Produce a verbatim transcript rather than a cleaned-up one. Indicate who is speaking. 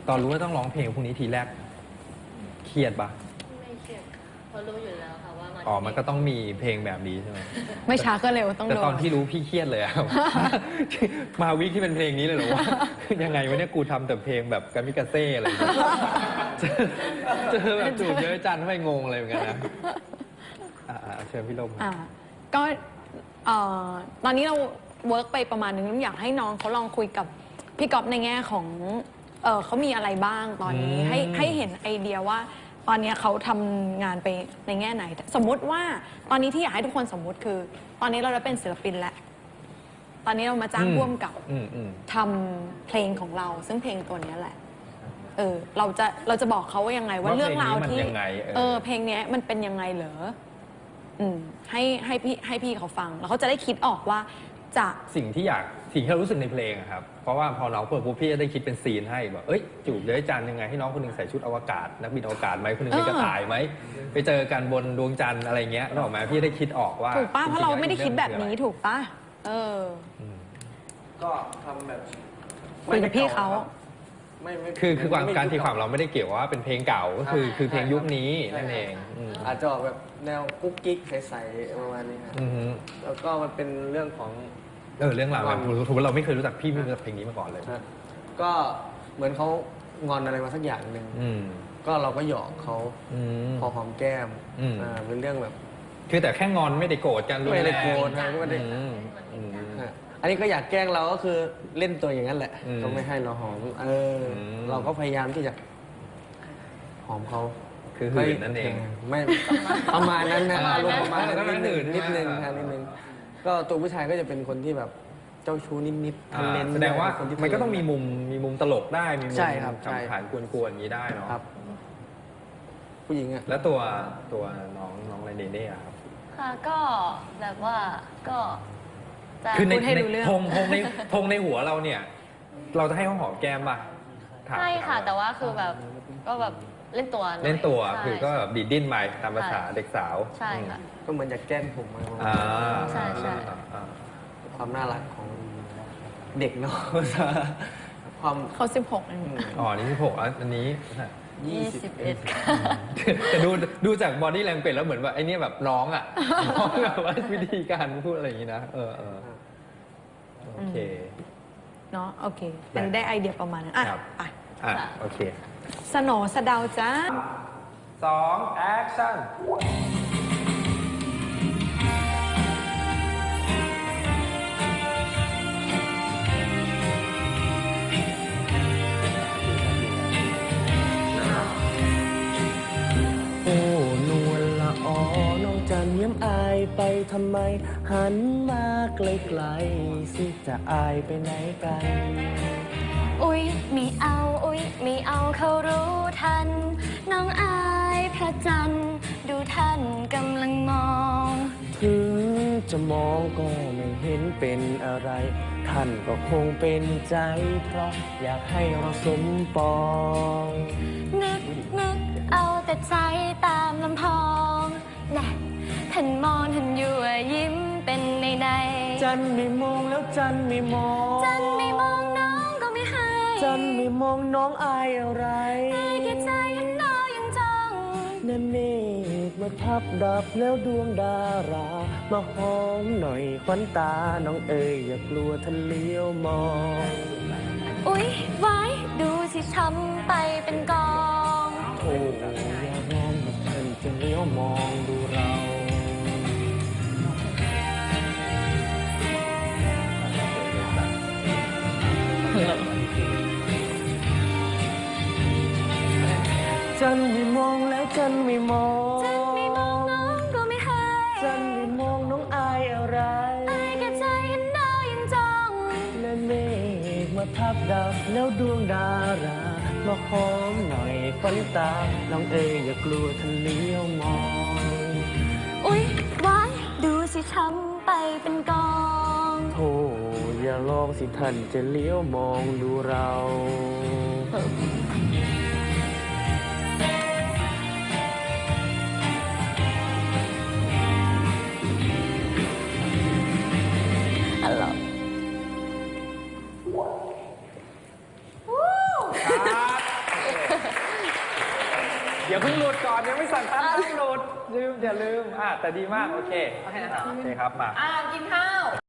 Speaker 1: ตอนรู้ว่าต้องร้องเพลงพวกนี้ทีแรกเครียดปะ
Speaker 2: ไม่เครียดเพราะรู้อยู่แล้วค่ะว่ามัน
Speaker 1: อ๋อมันก็ต้องมีเพลงแบบนี้ใช่ไหม
Speaker 3: ไม่ช้าก็เร็วต้อง
Speaker 1: แต่
Speaker 3: โดน
Speaker 1: ตอนที่รู้พี่เครียดเลยอะ มาวิกที่เป็นเพลงนี้เลยเหรอวะ ยังไงวะเนี่ยกูทำแต่เพลงแบบกามิกาเซ่อะไรอย่างเงี้ยเจอแบบจูบเยอะจันทำไมงงเลยเหมือนกันนะอ่าเชิญพี่ลม
Speaker 3: อ่าก็ตอนนี้เราเวิร์กไปประมาณนึงอยากให้น้องเขาลองคุยกับพี่ก๊อฟในแง่ของเออเขามีอะไรบ้างตอนนี้ให้ให้เห็นไอเดียว่าตอนนี้เขาทำงานไปในแง่ไหนสมมุติว่าตอนนี้ที่อยากให้ทุกคนสมมุติคือ ตอนนี้เราได้เป็นศิลปินแล้วตอนนี้เรามาจ้างร่วมกับทำเพลงของเราซึ่งเพลงตัวนี้แหละเออเราจะเราจะบอกเขาว่ายังไงว่าเรื่องราวที่เออเพลงนี้มันเป็นยังไงเหรออืมให้ให้พี่ให้พี่เขาฟังแล้วเขาจะได้คิดออกว่าจะ
Speaker 1: สิ่งที่อยากสิ่งที่เรารู้สึกในเพลงครับเพราะว่าพอน้องเปิดปุ๊บพี่จะได้คิดเป็นซีนให้แบบเอ้ยจูบเยอะจันยังไงให้น้องคนนึงใส่ชุดอวกาศนักบินอวกาศไหมคนนึงเป็นกระต่ายไหมไปเจอกันบนดวงจันทร์อะไรเงี้ยนึกออกไหมพี่ได้คิดออกว่า
Speaker 3: ถูกป้ะเพราะเราไม่ได้คิดแบบนี้ถูกป้ะเออ
Speaker 4: ก็ทำแบบ
Speaker 3: คุยกับพี่เขา
Speaker 1: คือคือความการตีความเราไม่ได้เกี่ยวว่าเป็นเพลงเก่าก็คือคือเพลงยุคนี้นั่นเอง
Speaker 4: อาจจะออกแบบแนวกุ๊กกิ๊กใสๆประมาณนี้ครับแล้วก็มันเป็นเรื่องของ
Speaker 1: เออเรื่องราวแบบถือว่าเราไม่เคยรู้จักพี่ไม่รู้จักเพลงนี้มาก่อนเลย
Speaker 4: ก็เหมือนเขางอนอะไรมาสักอย่างหนึ่งก็เราก็หยอกเขาพอหอมแก้มอ่าเป็นเรื่องแบบ
Speaker 1: คือแต่แค่งอนไม่ได้โกรธกัน
Speaker 4: ไม่ได้โกรธนะไม่ได้อันนี้ก็อยากแกล้งเราก็คือเล่นตัวอย่างนั้นแหละก็ไม่ให้เราหอมเออเราก็พยายามที่จะหอมเขา
Speaker 1: คือหื่นนั่นเอง
Speaker 4: ไม่ประมาณนั้นนะอารมณ์ประมาณนั้นนิดนึงนิดนึงนิดนึงก็ตัวผู้ชายก็จะเป็นคนที่แบบเจ้าชู้นิดๆทะเลน
Speaker 1: แสดงว่ามันก็ต้องมีมุมมีมุมตลกได้มีมุม
Speaker 4: ใช่ครับ
Speaker 1: ขำขันกวนๆอย่างนี้ได้เนาะ
Speaker 4: ครับผู้หญิงอะ
Speaker 1: แล้วตัวตัวน้องน้องอะไรเนเน่ครับ
Speaker 2: ค่ะก็แบบว่าก็
Speaker 1: คือในธงธงในธงในหัวเราเนี่ยเราจะให้เขาหอมแก้มป่ะ
Speaker 2: ใช่ค่ะแต่ว่าคือแบบก็แบบเล่นตัว
Speaker 1: เล่นตัวคือก็แบบดีดดิ้นไปตามภาษาเด็กสาว
Speaker 2: ใช่ค่ะ
Speaker 4: ก็เหมือนอยากแกล้งผมมา
Speaker 2: ใช่ใช่
Speaker 4: ความน่ารักของเด็กเนาะความ
Speaker 3: เขาสิบหก
Speaker 1: อ๋อนี่สิบหกอันนี้
Speaker 2: ยี่สิบเอ็ด
Speaker 1: แต่ดูดูจากบอดี้แลงเกจแล้วเหมือนว่าไอ้นี่แบบน้องอ่ะน้องแบบว่าวิธีการพูดอะไรอย่างนี้นะเออเออโอเค
Speaker 3: เนาะโอเคอันนี้ได้ไอเดียประมาณนั้นอ่ะไป
Speaker 1: อ่ะโอเค
Speaker 3: สโหน่สะเดาจ้า
Speaker 1: สองแอคชั่น
Speaker 4: โอ้นวลละออน้องจันเยี่ยมอายไปทำไมหันมาไกลๆสิจะอายไปไหนกัน
Speaker 2: อุ๊ยไม่เอาอุ๊ยไม่เอาเขารู้ทันน้องอายพระจันทร์ดูท่านกำลังมอง
Speaker 4: ถึงจะมองก็ไม่เห็นเป็นอะไรท่านก็คงเป็นใจเพราะอยากให้เราสมปอง
Speaker 2: นึกนึกเอาแต่ใจตามลำพองแน่ท่านมองท่านยั่วยิ้มเป็นในใน
Speaker 4: จันไม่มองแล้วจันไม่มอง
Speaker 2: จันไม่มองน้องก็ไม่ให้
Speaker 4: จันไม่มองน้องอายอะไร
Speaker 2: อายแค่ใจเห็นน้องยังจ้อง
Speaker 4: นั่นเมฆมาทับดับแล้วดวงดารามาหอมหน่อยควันตาน้องเอ๋ยอย่ากลัวท่านเลี้ยวมอง
Speaker 2: อุ๊ยไว้ดูสิช้ำไปเป็นกอง
Speaker 4: โอ้อย่ามองท่านจะเลี้ยวมองดูเราจันไม่มองแล้วจันไม่มอง
Speaker 2: จันไม่มองน้องก็ไม่ให้
Speaker 4: จันไม่มองน้องอายอะไร
Speaker 2: อายแค่ใจเห็นดาวยังจ้อง
Speaker 4: และเมฆมาทับดับแล้วดวงดารามาหอมหน่อยควันตาน้องเอ๋ยอย่ากลัวท่านเลี้ยวมอง
Speaker 2: อุ๊ยไว้ดูสิช้ำไปเป็นกอง
Speaker 4: โธ่อย่าลองสิท่านจะเลี้ยวมองดูเรา
Speaker 2: ฮัลโหล
Speaker 1: อย่าเพิ่งหลุดก่อนยังไม่สั่งคัดห้ามหลุดลืมอย่าลืมอ่ะแต่ดีมากโอเคโอเคครับมา
Speaker 5: อ่ากินข้าว